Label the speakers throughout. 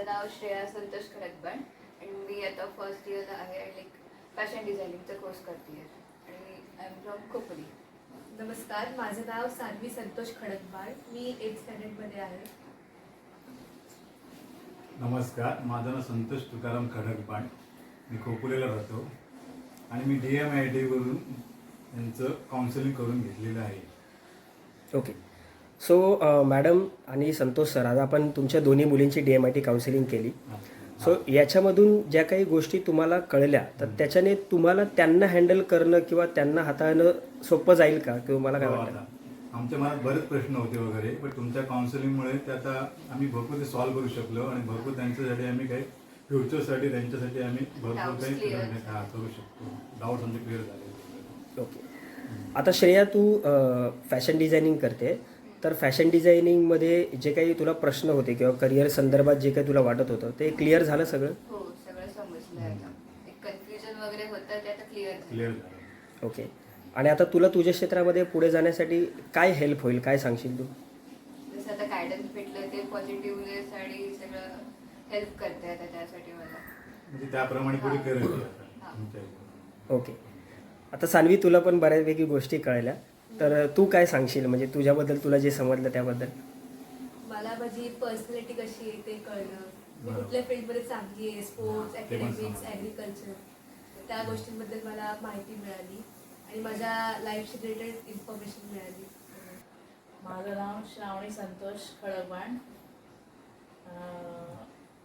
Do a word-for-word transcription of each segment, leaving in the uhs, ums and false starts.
Speaker 1: माझं नाव श्रेया संतोष खडकबाण आणि मी आता फर्स्ट इयरला आहे आणि लाईक फॅशन डिझायनिंगचा कोर्स करते आणि आय एम फ्रॉम खोपोली.
Speaker 2: नमस्कार, माझं नाव सान्वी संतोष खडकबाळ. मी एट स्टँडर्डमध्ये आहे.
Speaker 3: नमस्कार, माझं नाव संतोष तुकाराम खडकबाण. मी खोपोलीला राहतो आणि मी डी एम आय टीवरून यांचं काउन्सिलिंग करून घेतलेलं आहे.
Speaker 4: ओके. सो मॅडम आणि संतोष सर, आज आपण तुमच्या दोन्ही मुलींची D M I T counselling केली. सो याच्यामधून ज्या काही गोष्टी तुम्हाला कळल्या तर त्याच्याने तुम्हाला त्यांना हँडल करणं किंवा त्यांना हाताळणं सोपं जाईल का, किंवा मला काय
Speaker 3: हो,
Speaker 4: वाटतं?
Speaker 3: आता आमच्या मनात बरेच प्रश्न होते वगैरे, पण तुमच्या काउन्सिलिंगमुळे ते आता आम्ही भरपूर ते सॉल्व्ह करू शकलो आणि भरपूर त्यांच्यासाठी आम्ही काही फ्युचरसाठी त्यांच्यासाठी आम्ही भरपूर
Speaker 1: Doubts
Speaker 3: काही
Speaker 1: clear.
Speaker 3: हा, करू शकतो. डाऊट्स आमचे क्लिअर झाले.
Speaker 4: ओके. आता श्रेया, तू फॅशन डिझायनिंग करते, तर फॅशन डिझायनिंगमध्ये जे काही तुला प्रश्न होते किंवा करिअर संदर्भात जे काही तुला वाटत होतं ते क्लिअर झालं सगळं?
Speaker 1: हो, सगळं समजलं आहे आता. एक कन्फ्युजन वगैरे होतं ते आता क्लिअर
Speaker 3: क्लिअर झालं.
Speaker 4: ओके. आणि आता तुला तुझ्या क्षेत्रामध्ये पुढे जाण्यासाठी काय हेल्प होईल, काय सांगशील तू?
Speaker 1: जसं आता गायडन्स भेटलं ते पॉझिटिव्हनेस आणि सगळं हेल्प करते आता त्यासाठी मला.
Speaker 3: म्हणजे त्याप्रमाणे पुढे करेल ती आता
Speaker 1: हा.
Speaker 3: तुमच्या इथे.
Speaker 4: ओके. आता सान्वी, तुला पण बऱ्यापैकी गोष्टी कळल्या, तर तू काय सांगशील, म्हणजे तुझ्याबद्दल तुला जे समजलं त्याबद्दल?
Speaker 2: मला माझी पर्सनॅलिटी कशी आहे ते कळलं. मी
Speaker 3: बरोबर.
Speaker 2: कुठल्या फील्डमध्ये चांगली आहे, स्पोर्ट्स,
Speaker 3: ते पण
Speaker 2: अकॅडमिक्स,
Speaker 3: समजलं.
Speaker 2: ॲग्रिकल्चर, त्या गोष्टींबद्दल मला माहिती मिळाली आणि माझ्या लाईफशी रिलेटेड इन्फॉर्मेशन मिळाली.
Speaker 5: माझं नाव श्रावणी संतोष खडकबाण. अं,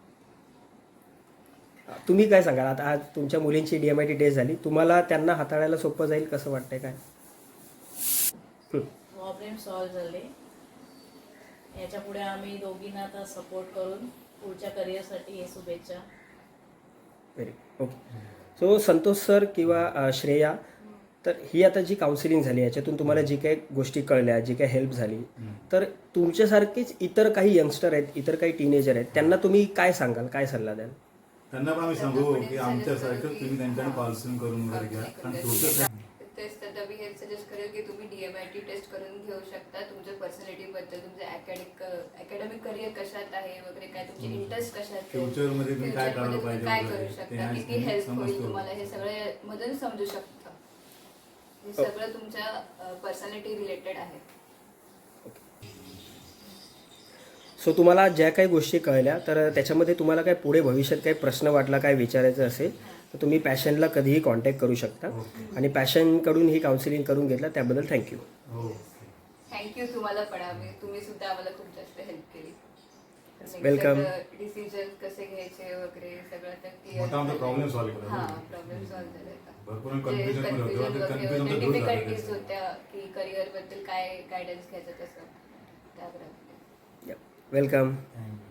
Speaker 4: तुम्ही काय सांगाल? आता आज तुमच्या मुलींची D M I T test झाली, तुम्हाला त्यांना हाताळायला सोपं जाईल कसं वाटतंय काय? हं.
Speaker 5: प्रॉब्लेम सॉल्व झाले. याच्या पुढे आम्ही दोघींना आता सपोर्ट करून पुढच्या करिअरसाठी हे शुभेच्छा.
Speaker 4: Very okay. So Santosh sir किंवा अ, श्रेया, तर ही आता जी काउन्सिलिंग झाली याच्यातून तुम्हाला जी काही गोष्टी कळल्या, जी काही हेल्प झाली,
Speaker 3: हम्म.
Speaker 4: तर तुमच्यासारखेच इतर काही यंगस्टर आहेत, इतर काही टीनेजर आहेत, त्यांना तुम्ही काय सांगाल, काय सल्ला द्याल?
Speaker 3: त्यांना पण आम्ही
Speaker 1: त्यांना
Speaker 3: सांगू
Speaker 1: पण
Speaker 3: की
Speaker 1: एक
Speaker 3: आमच्यासारखं
Speaker 1: suggest करू
Speaker 3: तुम्ही
Speaker 1: की-
Speaker 3: त्यांच्याकडे
Speaker 1: हा.
Speaker 3: काउन्सिलिंग करून वगैरे घ्या.
Speaker 1: Counseling
Speaker 3: आणि
Speaker 1: करून
Speaker 3: फ्युचर
Speaker 1: घ्या. तेच तर मी हेल्प सजेस्ट करेल की तुम्ही D M I T test करून घेऊ शकता. तुमच्या पर्सनॅलिटीबद्दल, तुमचं अकॅडमिक अकॅडमिक करिअर कशात आहे वगैरे, काय तुमचे
Speaker 3: हम्म.
Speaker 1: इंटरेस्ट कशात आहे,
Speaker 3: फ्युचरमध्ये तुम्ही काय
Speaker 1: future मध्ये
Speaker 3: करायला
Speaker 1: तुम्ही
Speaker 3: पाहिजे
Speaker 1: काय
Speaker 3: वगैरे,
Speaker 1: करू
Speaker 3: ते
Speaker 1: शकता,
Speaker 3: आज
Speaker 1: किती
Speaker 3: तुम्ही
Speaker 1: हेल्प होईल
Speaker 3: समजतो.
Speaker 1: तुम्हाला हे सगळे मधून समजू शकता. हे
Speaker 4: हो.
Speaker 1: सगळं तुमच्या पर्सनॅलिटी रिलेटेड आहे.
Speaker 4: सो तुम्हाला ज्या काही गोष्टी कळल्या, तर त्याच्यामध्ये तुम्हाला काय पुढे भविष्यात काही प्रश्न वाटला, काय विचारायचं असेल, तर तुम्ही पॅशनला कधीही कॉन्टॅक्ट करू शकता.
Speaker 3: ओके.
Speaker 4: आणि पॅशनकडून ही काउन्सिलिंग करून घेतलं त्याबद्दल थँक्यू.
Speaker 3: हो.
Speaker 1: थँक्यू तुम्हाला पण. आम्ही तुम्ही सुद्धा आम्हाला खूप जास्त हेल्प केली.
Speaker 4: Welcome.
Speaker 1: डिसिजन कसे घ्यायचे वगैरे सगळं तर clear
Speaker 3: मोठा आमचा
Speaker 1: झालं.
Speaker 3: प्रॉब्लेम सॉल्व्ह केला.
Speaker 1: हा, प्रॉब्लेम सॉल्व्ह झाला आता.
Speaker 3: भरपूर
Speaker 1: जे
Speaker 3: कन्फ्युजन मध्ये होतो.
Speaker 1: confusion
Speaker 3: ते
Speaker 1: वगैरे
Speaker 3: कन्फ्युजन
Speaker 1: होते,
Speaker 3: तर दूर झालं
Speaker 1: difficulties
Speaker 3: त्याचं.
Speaker 1: होत्या की करिअर बद्दल काय गायडन्स घ्यायचं तसं त्याबरोबर.
Speaker 4: वेलकम.
Speaker 3: Thank you.